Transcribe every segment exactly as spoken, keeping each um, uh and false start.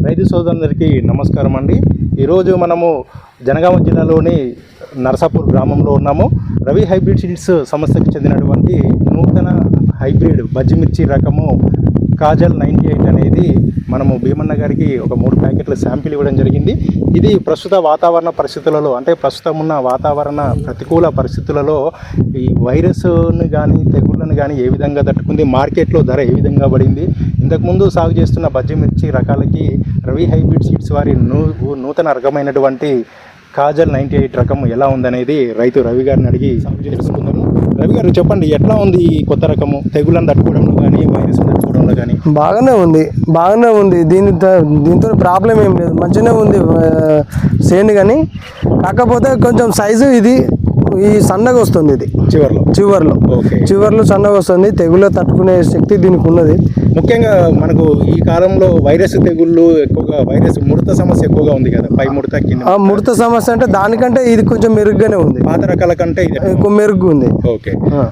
రైతు సోదరులందరికీ నమస్కారం అండి. ఈరోజు మనము జనగామ జిల్లాలోని నరసాపూర్ గ్రామంలో ఉన్నాము. రవి హైబ్రిడ్ సీడ్స్ సంస్థకి చెందినటువంటి నూతన హైబ్రిడ్ బజ్జిమిర్చి రకము కాజల్ నైంటీ ఎయిట్ అనేది మనము భీమన్న గారికి ఒక మూడు ప్యాకెట్ల శాంపిల్ ఇవ్వడం జరిగింది. ఇది ప్రస్తుత వాతావరణ పరిస్థితులలో అంటే ప్రస్తుతం ఉన్న వాతావరణ ప్రతికూల పరిస్థితులలో ఈ వైరస్ని కానీ తెగుళ్ళను కానీ ఏ విధంగా తట్టుకుంది, మార్కెట్లో ధర ఏ విధంగా పడింది, ఇంతకుముందు సాగు చేస్తున్న బజ్జిమిర్చి రకాలకి రవి హైబ్రిడ్ సీడ్స్ వారి నూ నూతన రకమైనటువంటి కాజల్ నైంటీ ఎయిట్ రకం ఎలా ఉందనేది రైతు రవి గారిని అడిగి సాగు తెలుసుకుందాము. రవి గారు చెప్పండి, ఎట్లా ఉంది ఈ కొత్త రకము? తెగుళ్ళను తట్టుకోవడంలో కానీ వైరస్ తట్టుకోవడంలో కానీ? బాగానే ఉంది బాగానే ఉంది దీని దీంతో ప్రాబ్లం ఏం లేదు, మంచిగానే ఉంది సేను. కానీ కాకపోతే కొంచెం సైజు ఇది ఈ సన్నగా వస్తుంది, ఇది చివర్లో చివర్లో చివర్లో సన్నగా వస్తుంది. తెగులు తట్టుకునే శక్తి దీనికి ఉన్నది. ముఖ్యంగా మనకు ఈ కాలంలో వైరస్ తెగుళ్ళు ఎక్కువగా, వైరస్ ముడత సమస్య ఎక్కువగా ఉంది కదా, పై ముడత కింద ముడత సమస్య అంటే దానికంటే ఇది కొంచెం మెరుగ్గానే ఉంది, పాత రకాల కంటే ఇది ఎక్కువ మెరుగ్గా ఉంది. ఓకే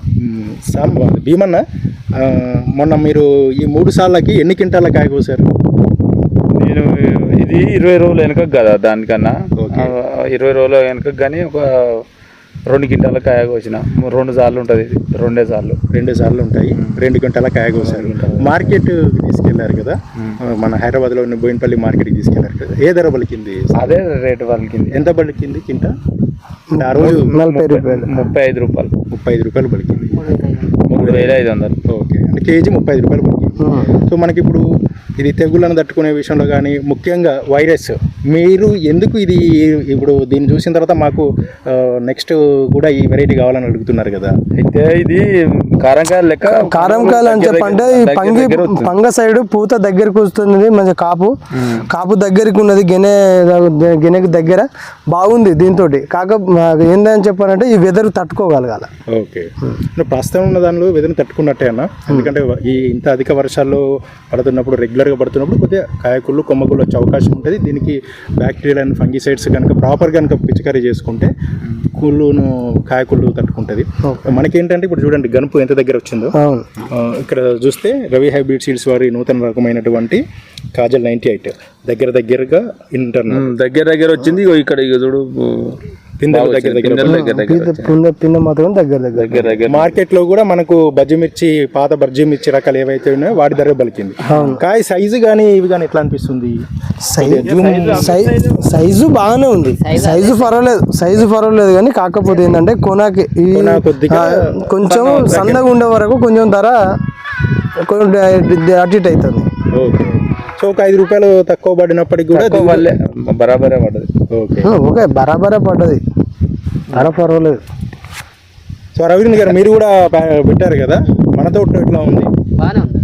భీమన్న, మొన్న మీరు ఈ మూడు సార్లకి ఎన్ని క్వింటాల కాయ కోసారు? నేను ఇది ఇరవై రోజులు వెనక కదా, దానికన్నా ఇరవై రోజుల వెనక కానీ ఒక రెండు క్వింటాల కాయ కోసిన. రెండు సార్లు ఉంటుంది, ఇది రెండే సార్లు రెండు సార్లు ఉంటాయి. రెండు క్వింటాల కాయ కోసారు. మార్కెట్ తీసుకెళ్లారు కదా, మన హైదరాబాద్లో ఉన్న బోయినపల్లి మార్కెట్కి తీసుకెళ్లారు కదా, ఏ ధర పలికింది? అదే రేటు పలికింది. ఎంత పలికింది కింట? ఆ రోజు నలభై రూపాయలు ముప్పై ఐదు రూపాయలు ముప్పై ఐదు రూపాయలు పలికింది. మూడు వేల ఐదు వందలు. ఓకే, అంటే కేజీ ముప్పై ఐదు రూపాయలు పలికింది. సో మనకి ఇప్పుడు ఇది తెగుళ్ళను తట్టుకునే విషయంలో కానీ, ముఖ్యంగా వైరస్, మీరు ఎందుకు ఇది ఇప్పుడు దీన్ని చూసిన తర్వాత మాకు నెక్స్ట్ కూడా ఈ వెరైటీ కావాలని అడుగుతున్నారు కదా? అయితే ఇది కారంకాయలు లెక్క, కారంకాయలు అని చెప్పంటే ఈ పంగి పంగ సైడ్ పూత దగ్గరకు వస్తుంది, మంచి కాపు కాపు దగ్గరికి ఉన్నది, గెనె గెనెకి దగ్గర బాగుంది. దీంతో కాక ఏందని చెప్పాలంటే ఈ వెదర్ తట్టుకోగలగాల. ఓకే, ప్రస్తుతం ఉన్న దానిలో వెదర్ని తట్టుకున్నట్టే అన్న. ఎందుకంటే ఈ ఇంత అధిక వర్షాల్లో పడుతున్నప్పుడు, రెగ్యులర్గా పడుతున్నప్పుడు కొద్దిగా కాయకుళ్ళు కొమ్మకుళ్ళు వచ్చే అవకాశం ఉంటుంది. దీనికి బ్యాక్టీరియల్ అండ్ ఫంగిసైడ్స్ కనుక ప్రాపర్ కనుక పిచికారీ చేసుకుంటే కుళ్ళును కాయకుళ్ళు తట్టుకుంటుంది. మనకేంటంటే ఇప్పుడు చూడండి గనుపు ఎంత దగ్గర వచ్చిందో. ఇక్కడ చూస్తే రవి హైబ్రిడ్ సీడ్స్ వారి నూతన రకమైనటువంటి కాజల్ నైంటీ ఎయిట్ దగ్గర దగ్గరగా ఇంటర్నల్ దగ్గర దగ్గర వచ్చింది. ఇక్కడ ఇక చూడు మార్కెట్ లో కూడా మనకు బజ్జిమిర్చి, పాత బజ్జిమిర్చి రకాలు ఏవైతే ఉన్నాయో వాటి ధర పలికింది. కాయ సైజు కానీ ఇవి కానీ ఎట్లా అనిపిస్తుంది? సైజు బాగానే ఉంది, సైజు పర్వాలేదు సైజు పర్వాలేదు కానీ కాకపోతే ఏంటంటే కొనాకి కొద్దిగా కొంచెం సన్నగా ఉండే వరకు కొంచెం ధర అటు ఇటు అవుతుంది. ఓకే, సో ఒక ఐదు రూపాయలు తక్కువ పడినప్పటికి కూడా బరాబరే పడ్డది. ఓకే ఓకే బరాబరే పడ్డది, ధర పర్వాలేదు. సో రవీంద్ర గారు మీరు కూడా పెట్టారు కదా, మన తోట ఎట్లా ఉంది? బాగానే ఉంది.